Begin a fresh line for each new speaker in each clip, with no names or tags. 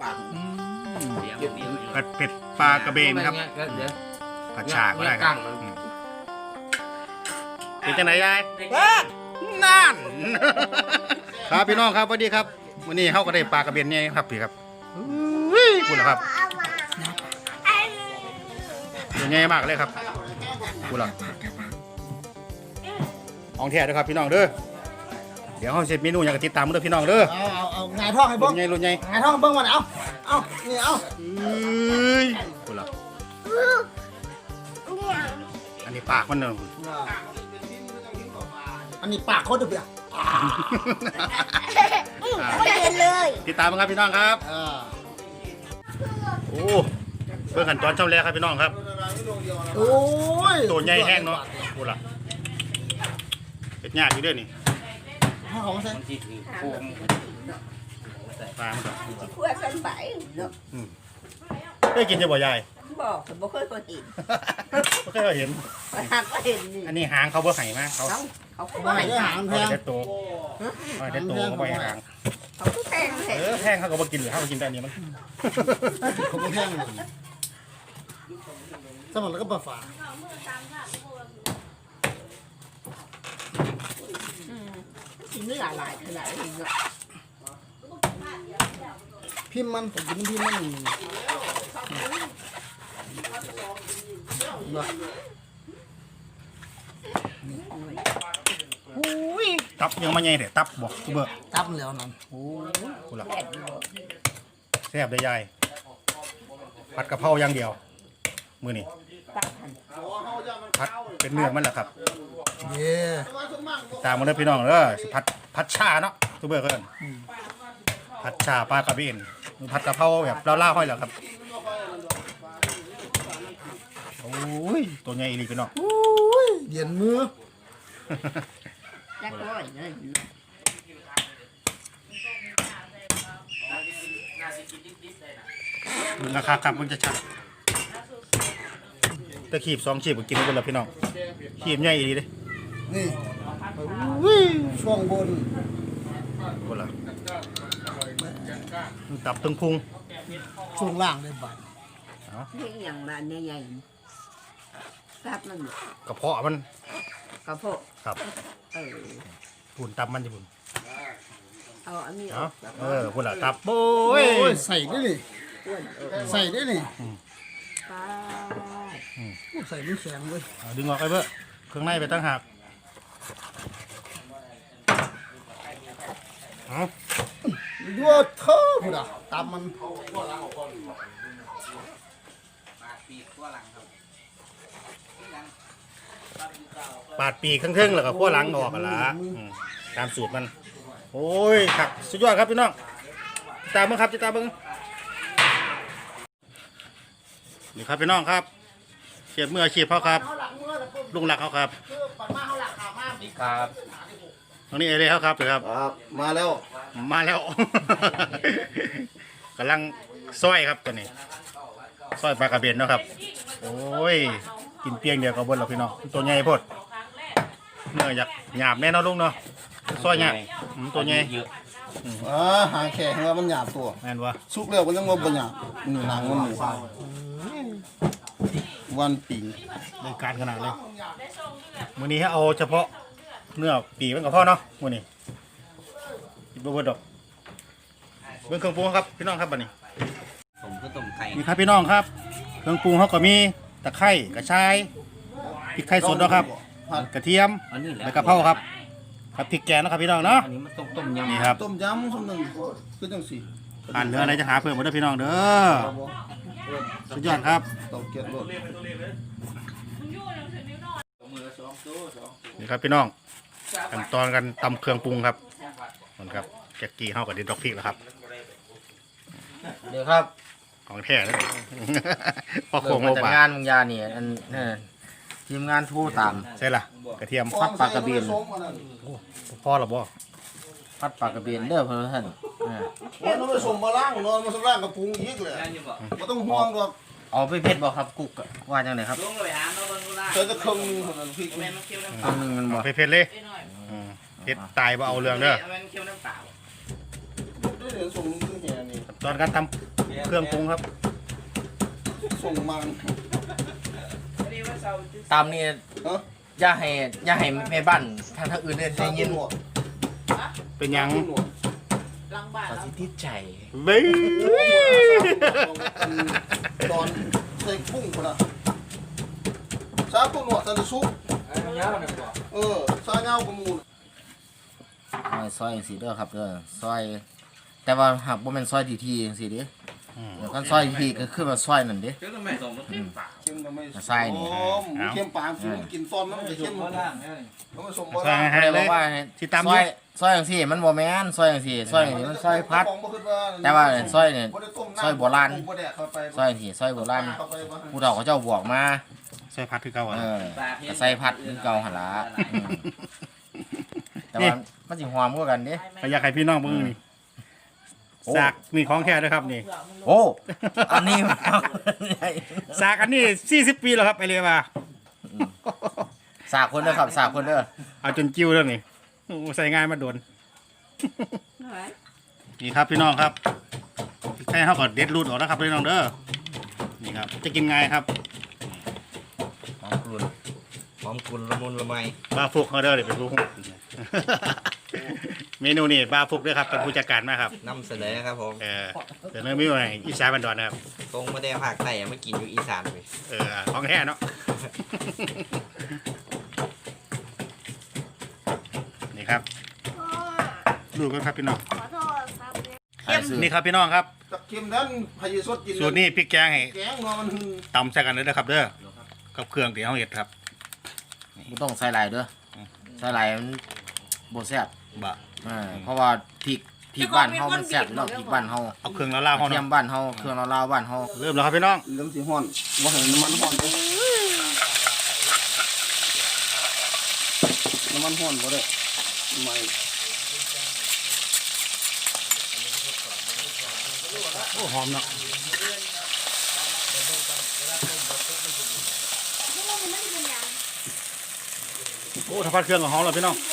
ผัดเผ็ดปลากระเบนครับผัดฉากก็ได้ครับเป็นจังไหนยายนั่นครับพี่น้องครับสวัสดีครับวันนี้เขาก็ได้ปลากระเบนเนี่ยครับพี่ครับพูดแล้วครับตัวใหญ่มากเลยครับพูดแล้วของแท้ด้วยครับพี่น้องเด้อเดี๋ยวเขาเสร็จเมนูอย่างติดตามมาด้วยพี่น้องเด้อ
เอาไงท่องให้เบิ้ง
รุ่นใหญ่
ไงท่องเบิ้งมันเอานี่เอา
พูดแล้วอันนี้ปากมันเนอะ
อันนี้ปากเขาดุเบีย
ไม่เห็นเลย
ติดตามกันครับพี่น้องครับโอ้เพื่อขันตอนเช้าแรกครับพี่น้องครับ
โอ้ย
ตัวใหญ่แห้งเนาะพูดละเป็นยากอยู่ด้วยนี่
ของใส่
ปลามันก่อน
ขั้วสันใบเนาะ
ได้กินจะบ่ยาย
บอกแต่บ่เคยคนเห็น
ไม่เคยเห็น
หางก็เห็นนี่
อันนี้หางเขาบ่ไห่มาเขา
ไม่ได้หางแพง
ได้โตได้โตเขาบ่หาง
เขาก็แพง
แพงเขาก็บ่กินหรือเขากินแต่อันนี้มัน
เขาไม่แพงสมองแล้วก็ปลาฝา
กินเนื้อหลายขนาดนี้เนาะ
พิมพ์มันผมกินพิมพ์มัน
ตับยังมาใหญ่เด็ดตับบอกเบอร์
ตับแล้วนั่น
โอ้กูหลับแซ่บได้ยายผัดกะเพราอย่างเดียวมือนี่ผัดเป็นเนื้อมันแหละครับตามมาเลยพี่น้องเด้อผัดชาเนาะทุกเบอร์ก็ได้ผัดชาปลากระเบนผัดกะเพราแบบเล่าๆห้อยเหรอครับโอ้ยตัวใหญ่อีหลีพี่น้อง
เย็นมือ
จักร้อยเลย
ราคาครับมันจะชัดตะขีบ2 ขีบก็กินได้แล้วพี่น้องขีบใหญ่อีหลีเลย
นี่ช่วงบน
คนละตับตึงพุง
ช่วงล่างได้บ่าย
นี่อย่างนั้นใหญ่ๆทราบมัน
กระเพาะมัน
กระเพาะ
ครับปุ่นตับมันจะปุ่น
เอาอันนี้
ปุ่นละตับโอ้ย
ใส่ได้เลยใส่ได้เลยใส่ไม่แข็งเลย
ดึงออกไปเบ้อเครื่องในไปตั้งหัก
ยั่วเท่าพุ่นอ่ะตับมัน
ปาดปีกครึ่งๆแล้วก็ขั้วหลังออกกันละตามสูตรมันโอ้ยครับสุดยอดครับพี่น้องตามมึงครับจะตามมึงนี่ครับพี่น้องครับเชียบมืออาชีพเขาครับลุงหลักเขาครับ
ครับ
ตรงนี้เอเล่เขาครับเลยครับ
มาแล้ว
กำลังซอยครับตัวนี้ซอยปลากระเบนนะครับโอ้ยกินเปียงเดียวกับบนเราพี่น้องตัวใหญ่พดเนื้ออยากหยาบแน่นอนลุงเนาะซอยหยาบตัวใหญ่
หางแข็งว่ามันหยาบตัว
แม่นวะ
สุกแล้วมันยังว่ามันหยาบนี่หนังมันหมูวันปิ่ง
ในการขนาดเลยมื้อนี้ให้เอาเฉพาะเนื้อปีมันกับพ่อเนาะมื้อนี้บ่เบิดดอกเบิ่งเครื่องปรุงครับพี่น้องครับบัดนี้
ผมก็ต้มไข่
นี่ครับพี่น้องครับเครื่องปรุงเขาก็มีตะไคร้กระชายพริกไทยสดนะครับกระเทียมใบกะเพราครับพริกแกงนะครับพี่น้องเนาะ
อันนี้มันต้มยำ
นี่ครับ
ต้มยำส้มหนึ่งคือจังสี่
ผ่านเนื้ออะไรจะหาเพิ่มมาด้วยพี่น้องเด้อสุดยอดครับนี่ครับพี่น้องขั้นตอนกันตำเครื่องปรุงครับมันครับแกะกี้เข้ากับดินดอกพริกแล้วครับ
เดี๋ยวครับ
ของแท้เลยพอโค้ง
โมบางานมึงยาเนี่ยอันทีมงานทูตาม
ใช่ล่ะกระเทียม
พัดปลากระเบน
พ่อหรอบ่
พัดปลากระเบนเด้อเพื่อนท่าน
นอนไปส่งมาล่างนอนมาส่งล่างกับปรุงอีกเลยไม่ต้องห่วงหรอก
เอาไปเพชรบอกครับกุ๊กว่าจังไหนครับ
เจอจะครึ่งพริก
นึงมันบอก
เพชรเลยเพชรตายบ่เอาเรื่องเด้อสอนการทำเครื่องปรุงครับ
ส่งมา
ตามนี่
เออ
อย่าให้แม่บ้านทางอื่นได้ยิน
เป็นหยัง
หลังบ้าน
เขาสิติดใจ
เบ้ย
ตอนใส่กุ้งคนละซาตัวหนวดตะซุปซาเงากระมูล
ซอยจังซี่เด้อครับเด้อซอย แต่ว่าหากบ่แม่นซอยทีๆจังซี่เด้เดี๋ยวกันซอยทีก็คือว่าซอยนั่นเด้
เข้มทำไม
ใส่นี่
เข้มปางฟิวกินตอนนั้นมันจะเข้มต้องผสม
ใส่ให้
เล
เลย ย
ว่า
ที่ตำ
ซอยจังซี่มันบ่แม่นซอยจังซี่ซอยจังซี่มันซอยพัด แต่ว่าซอยเนี่ยซอยโบราณ ซอยจังซี่ซอยโบราณผู้เฒ่าเขาเจ้าบอกมา
ใส่ผัดคือเก่าอ่ะ
ก็ใส่พัดคือเก่าหั่นล่ะแต่ว่ามันสิหอมกว่ากันเด้
ก็อยากให้พี่น้องเบิ่งนี่สากนี่ของแท้ด้วยครับนี่
โอ้อันนี้
สากอันนี้40 ปีแล้วครับไปเลยว่า
สากคนเด้อครับสากคนเด้อ
เอาจนจิ้วแล้วนี่โอ้ใส่ง่ายมาโดนนี่ครับพี่น้องครับแค่เขาก็เด็ดรูดออกแล้วครับพี่น้องเด้อนี่ครับจะกินง่ายครับ
หอมกลุ่นละมุนละไม
บาฟุกเขาเด้อเดี๋ยวเป็นผู้ เมนูนี่บาฟุกด้วยครับเป็นผู้จัดการมากครับ
นำเสนอครับผม
เดี๋ยวเนื้อมิวให้อีสานบันดอนนะครับ
ตรงมาได้ภาคใต้มากินอยู่อีสานไป
ของแท้เนาะ นี่ครับดูกันครับพี่น้อง
ขอโทษครับ
นี่ครับพี่น้องครับ
กับเค็มนั้นพายสดกิน
สูตรนี้พริกแกงให้
แกงเนาะมัน
ตำใส่กันเลยนะครับเด้อกับเครื่องที่เขาเห็ดครับ
บ่ต้องใส่หลายเด้อใส่หลายมันบ่แซ่บ
บะ
เพราะว่าพริกบ้านเฮามันแซ่บเนาะพริกบ้านเฮา
เอาเครื่องละลาวเขา
เทีย
เนาะ
มบ้านเฮาเครื่องลาวๆบ้านเฮา
เริ่มแล้วครับพี่น้อง
เริ่มสิฮ้อนบ่ให้น้ำมันฮ้อนเด้น้ำมันฮ้อนบ่ได้ไม่
โอ้หอมเนาะโอ้ถ้าพัดเครื่องก็หอมแล้วพี่น้อง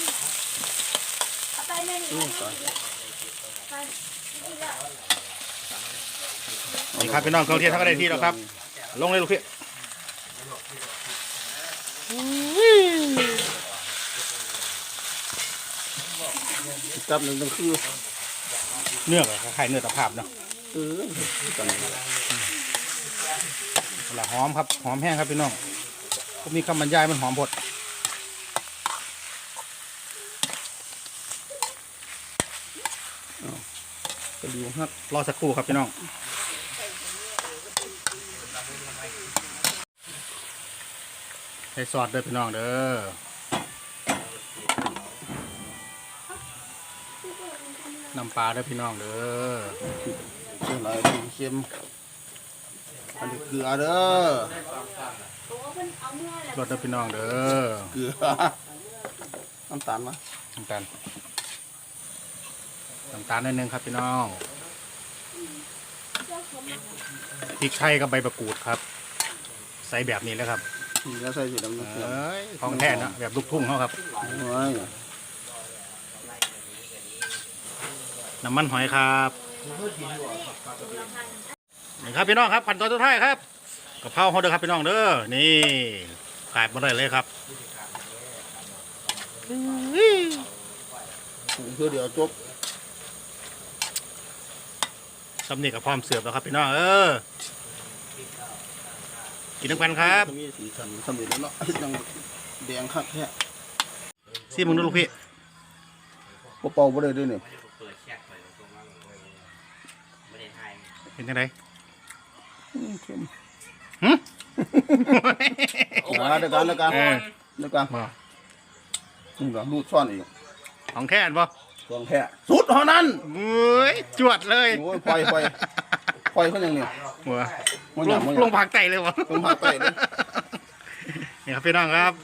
นี่ครับพี่น้องเครื่องเทศทั้งได้ที่แล้วครับลงเลยลูกพี่
จับหนึ่งก็คือ
เนื้อกับไข่เนื้อตะภาพเนาะ
กัน
ละหอมครับหอมแห้งครับพี่น้องผมมีคำบรรยายมันหอมบด
กระดูกฮัก
รอสักครู่ครับพี่น้องใส่ซอสเด้อพี่น้องเด้อน้ำปลาเด้อพี่น้องเด้อ
เชียงรายเค็มอันนี้เกลือเด้อ
รสเด้อพี่น้องเด้อ
เกลือน้ำตาลมา
น้ำตาลนิดนึงครับพี่น้องพริกไทยกับใบมะกรูดครับใส่แบบนี้แล้วครับ
นี่แล้วใส่สีดำน้ำเกลือ
ของแท้นะแบบลูกทุ่งเขาครับ
โอ้ย
น้ำมันหอยครับนี่ครับพี่น้องครับขั้นตอนสุดท้ายครับกะเพราเขาเด้อครับพี่น้องเด้อนี่ขาดมาได้เลยครับ
เพื่อเดี๋ยวจบ
สำเนียงกับพร้อมเสิร์ฟแล้วครับพี่น้องกินน้ำกันครับ
มีสีสันสำเร็จแล้วเนาะยังแดงคักแค่
ซีมึงดูลูกพี่
เป่าบ่ได้ด้วยเนี่ย
เป็นยังไง
เค็ม
หึ
มาเดี๋ยวกันเดี๋ยวกัน
เออ
เดี๋ยวกันนี่ก็รูดซ่อนอีก
ของแท้นบ่
ซ่อนแค่สุดเท่านั้น
เอ้ยจวดเลย
โอ้ยปล่อยเขาอย่างนี้
หัว
มัน
ล
อย่าง มัน
ลงผักไก่เลยวะ
ลงผักไก่เลย
นี่ครับพี่น้องครับ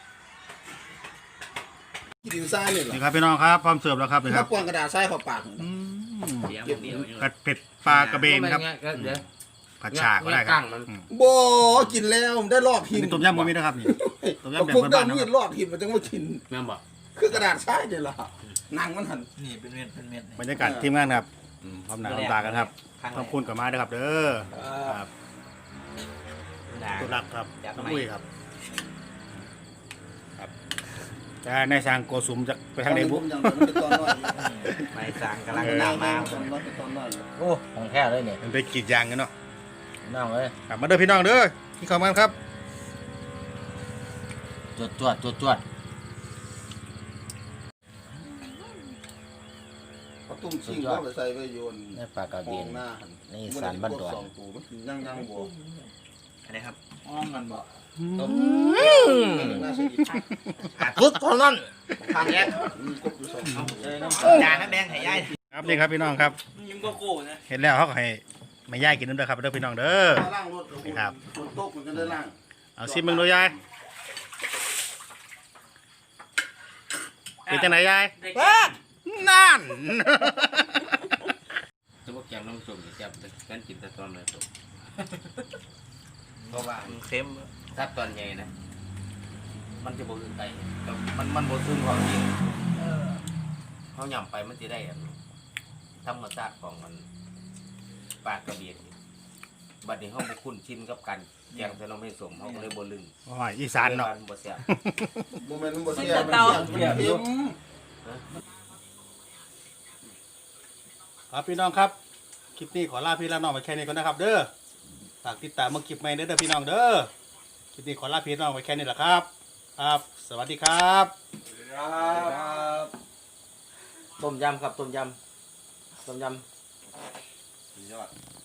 ดินทรายนี่เหรอ
นี่ครับพี่น้องครับพร้อมเสิร์ฟแล้วครับนี่ค
ถ้า
รับ
กวางกระดาษทรายเข้าปาก
ผัดเผ็ดปลากระเบนครับผัดฉากก็ได้ครับ
บ่กินแล้วได้รอดหิน
นี่ต้มยำบ่มีนะครับนี่ต้มยำแบบ
พวก
บ้านๆ
ดำ
นะ
มี
ครับ
รอดหินมันจังว่ากิน
แม่นบ่
คือกระดาษทรายนี่ล่ะหนังมันหัน
นี่เป็นเม็ดเป็นเม็ด
บรรยากาศทีมงานครับพร้อมหน้าพร้อมตากันครับขอบคุณกับมาด้วยครับเด้อครับตุลักครับน้ำอุ้ยครับครับแต่ในสร้างโกสุมจะไปทางไหนบุ
ไม่สร้างกำลังตามมา
โอ้ของแท้เลยเนี่ย
มันไปกรีดยางกันเนาะ
น้องเอ้ย
ครับมาเด้อพี่น้องเด้อที่เข้ามาครับ
จวด
เขาตุ้มชิงก็ไปใส่ไว้โยน
ในปลากระ
ม
เบี
อย ง
น
หน้าหัน
ในสารบ้านดอน
สองตูมันยังบ่
อะไรครับ
อ้อมกันบ่
ทุกเท่านั้น
ทางแยก
มีกบอยู่สอง
จานน้ำแดงไข่ย่าย
ครับนี่ครับพี่น้องครับ
ยิ้มโกโก้นะ
เห็นแล้วเขาก็ให้ไม่ย่ายกินน้ำเด้อครับเด้อพี่น้องเด้อ
ล่างรถฝนตกมันก็ได้ล่าง
เอาซิมึงดูยายเป็นจังไหนยายนั่น
จะบอกแกงน้ำส้มแซ่บกันกินแต่ตอนเลยตัวเพราะว่า
มันเค็ม
ถ้าตอนใหญ่นะ มันจะบ่คือไก่มันบ่ซึมของจริงเขาหย่ำไปมันจะได้ธรรมชาติของมันปลากระเบียดบัดนี้เขาบ่คุ้นชินกับกันแกงแต่เราไม่สมเขาก็เลยบ่ลึง
โอ้ยอีสานเนาะ
บ่แซ่บ
โมเมนต์มันบ่เสียมันเค็ม
ครับพี่น้องครับคลิปนี้ขอลาพี่ลาน้องไปแค่นี้ก่อนนะครับ เด้อฝากติดตามมาคลิปใหม่เด้อพี่น้องเด้อคลิปนี้ขอลาพี่น้องไปแค่นี้แหละครับครับ สวัสดีครับ
ต้มยำครับต้มยำ
ยอด